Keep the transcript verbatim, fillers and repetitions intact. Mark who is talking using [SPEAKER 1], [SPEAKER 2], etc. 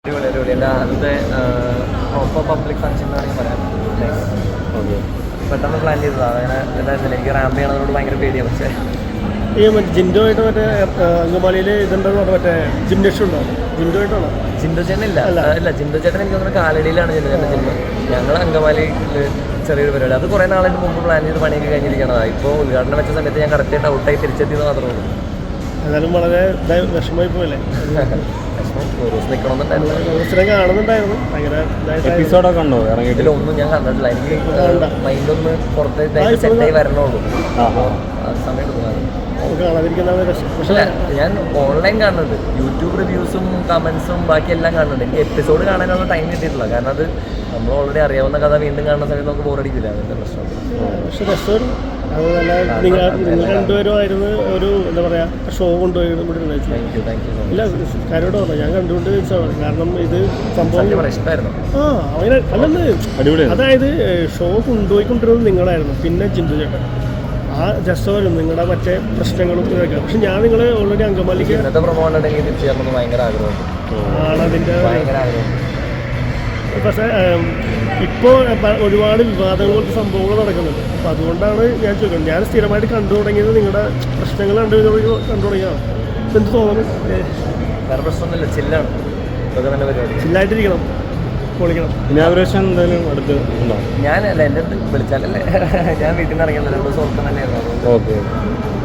[SPEAKER 1] എൻ്റെ ആദ്യത്തെ proper public function എന്ന് വേണമെങ്കിൽ പറയാം. ഓക്കെ, പെട്ടെന്ന് പ്ലാൻ ചെയ്തതാണ്. അങ്ങനെ എന്തായിരുന്നില്ല, എനിക്ക് റാമ്പ് ചെയ്യണതോട് ഭയങ്കര പേടിയാണ്. പക്ഷേ
[SPEAKER 2] ഈ മറ്റേ ജിൻഡോയായിട്ട് മറ്റേ അങ്കമാലിയിൽ ഇതുണ്ടെന്ന് പറഞ്ഞാൽ മറ്റേ ജിംനേഷ്യം ഉണ്ടോ? ജിൻഡോയായിട്ടാണോ?
[SPEAKER 1] ജിൻഡോ ചേട്ടൻ ഇല്ല ഇല്ല ജിൻഡോ ചേട്ടൻ എനിക്ക് തോന്നുന്നു കാലടിയിലാണ് ജിൻഡോ ചേട്ടൻ ജിമ്മ്. ഞങ്ങൾ അങ്കമാലിയിൽ ചെറിയൊരു പരിപാടി, അത് കുറേ നാളായിട്ട് മുമ്പ് പ്ലാൻ ചെയ്ത് പണിയൊക്കെ കഴിഞ്ഞിരിക്കണതാണ്. ഇപ്പോൾ ഉദ്ഘാടനം വെച്ച സമയത്ത് ഞാൻ കറക്റ്റായിട്ട് ഔട്ടായി തിരിച്ചെത്തിയെന്ന് മാത്രമേ ഉള്ളൂ.
[SPEAKER 2] എന്നാലും വളരെ വിഷമമായി പോയല്ലേ?
[SPEAKER 1] ഒരു ദിവസം നിൽക്കണമെന്നുണ്ടായിരുന്നു,
[SPEAKER 2] കാണുന്നുണ്ടായിരുന്നു. ഭയങ്കര
[SPEAKER 3] എപ്പിസോഡൊക്കെ ഉണ്ടോ ഇറങ്ങിയിട്ട്?
[SPEAKER 1] ഇതിലൊന്നും ഞാൻ കണ്ടിട്ടില്ല. എനിക്ക് മൈൻഡൊന്ന് പുറത്തേക്ക് സെറ്റായി വരണുള്ളൂ. ആ സമയം എടുക്കുന്നതാണ്. പക്ഷേ ഞാൻ ഓൺലൈൻ കാണുന്നുണ്ട്, യൂട്യൂബ് റിവ്യൂസും കമൻസും ബാക്കി എല്ലാം കാണുന്നുണ്ട്. എനിക്ക് എപ്പിസോഡ് കാണാനുള്ള ടൈം കിട്ടിയിട്ടില്ല. കാരണം അത് നമ്മൾ ഓൾറെഡി അറിയാവുന്ന കഥ വീണ്ടും കാണുന്ന സമയത്ത് നമുക്ക് ബോറടിക്കില്ല. അതിൻ്റെ പ്രശ്നം.
[SPEAKER 2] പക്ഷെ രസം അത് നല്ല നിങ്ങൾ നിങ്ങൾ രണ്ടുപേരുമായിരുന്നു ഒരു എന്താ പറയുക ഷോ കൊണ്ടുപോയി ഇല്ല കാര്യോട് പറഞ്ഞു. ഞാൻ കണ്ടുകൊണ്ട് ചോദിച്ചതാണ്. കാരണം ഇത് സംഭവം
[SPEAKER 1] ഇഷ്ടമായിരുന്നു.
[SPEAKER 2] ആ അങ്ങനെ അല്ലെന്ന് അടിപൊളിയാണ്. അതായത് ഷോ കൊണ്ടുപോയിക്കൊണ്ടിരുന്നത് നിങ്ങളായിരുന്നു, പിന്നെ ജിന്ദു ചേട്ടൻ ആ രസമായിരുന്നു നിങ്ങളുടെ മറ്റേ പ്രശ്നങ്ങളും ഇതൊക്കെ. പക്ഷെ ഞാൻ നിങ്ങളെ ഓൾറെഡി അങ്കമാലിക്ക്
[SPEAKER 1] ഭയങ്കര ആഗ്രഹമുണ്ട്
[SPEAKER 2] ആണ് അതിൻ്റെ
[SPEAKER 1] ഭയങ്കര ആഗ്രഹം.
[SPEAKER 2] പക്ഷേ ഇപ്പോൾ ഒരുപാട് വിവാദങ്ങളൊക്കെ സംഭവങ്ങൾ നടക്കുന്നുണ്ട്. അപ്പോൾ അതുകൊണ്ടാണ് ഞാൻ ചോദിക്കുന്നത്. ഞാൻ സ്ഥിരമായിട്ട് കണ്ടു തുടങ്ങിയത് നിങ്ങളുടെ പ്രശ്നങ്ങൾ കണ്ടു കണ്ടു തുടങ്ങിയതാണ്. എന്ത് തോന്നുന്നു?
[SPEAKER 1] വേറെ പ്രശ്നമൊന്നുമില്ല, ചില്ലാണ്. ഇതൊക്കെ നല്ല പരിപാടി.
[SPEAKER 2] ചില്ലായിട്ടിരിക്കണം, പൊളിക്കണം.
[SPEAKER 3] ഇനാഗുറേഷൻ എന്തായാലും അടുത്ത് ഉണ്ടോ?
[SPEAKER 1] ഞാനല്ല, എൻ്റെ അടുത്ത് വിളിച്ചാലല്ലേ. ഞാൻ വീട്ടിൽ നിന്ന് ഇറങ്ങിയത് രണ്ട് ദിവസം ഓർക്കാൻ തന്നെയായിരുന്നു.
[SPEAKER 3] ഓക്കെ.